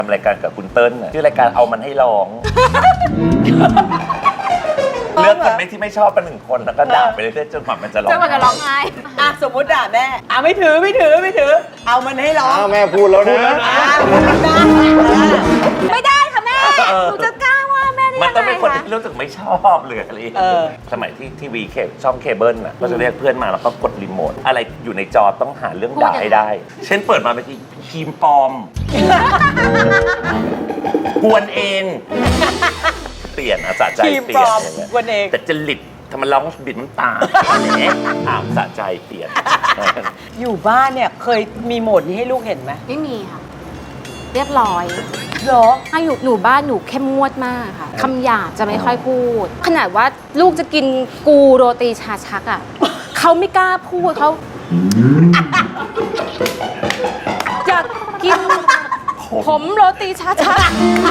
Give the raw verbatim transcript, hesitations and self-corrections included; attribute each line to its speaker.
Speaker 1: ทำรายการกับคุณเติ้ลชื่อรายการเอามันให้ร้องเลือกคนไม่ที่ไม่ชอบเป็นหนึ่งคนแล้วก็ด่าไปเรื่อยๆจนกว่ามันจะร้อง
Speaker 2: จนกว่าจะร้องไห้อ่ะสมมติด่าแม่อ่ะไม่ถือไม่ถือไม่ถือ เอามันให้ร้อง
Speaker 3: อ้าวแม่พูดแล้วนะ
Speaker 2: ไม่ได้ค่ะแม่หนูจะกล้าว่าแม่ได้
Speaker 1: มัน
Speaker 2: ยัง
Speaker 1: ต้อง
Speaker 2: ไง
Speaker 1: เป็นคน
Speaker 2: คะ
Speaker 1: ที่รู้สึกไม่ชอบเลยอะไรอย่างเงี้ยสมัยที่ทีวีเคช่องเคเบิลน่ะก็จะเรียกเพื่อนมาแล้วก็กดรีโมทอะไรอยู่ในจอต้องหาเรื่องด่าให้ได้ เช่นเปิดมาเป็นครีมปลอมกวนเองเปลี่ยนอ่ะสะใจ
Speaker 2: ทีม
Speaker 1: เปลี่
Speaker 2: ปล
Speaker 1: ยน
Speaker 2: อม
Speaker 1: อย่างเงี้ย
Speaker 2: วันเอง
Speaker 1: แต่จริตทำไมร้องบิดน้ำตาแหมถามสะใจเปลี่ยน
Speaker 2: อยู่บ้านเนี่ยเคยมีโหมดนี้ให้ลูกเห็นไหม
Speaker 4: ไม่มีค่ะ เรียบร้อย
Speaker 2: เหรอ
Speaker 4: ถ้าอยู่หนูบ้านหนูเข้มงวดมากค่ะคำหยาบจะไม่ค่อยพูด ขนาดว่าลูกจะกินกูโรตีชาชักอ่ะ เขาไม่กล้าพูดเขาอยากกินผมโรตีชาชัก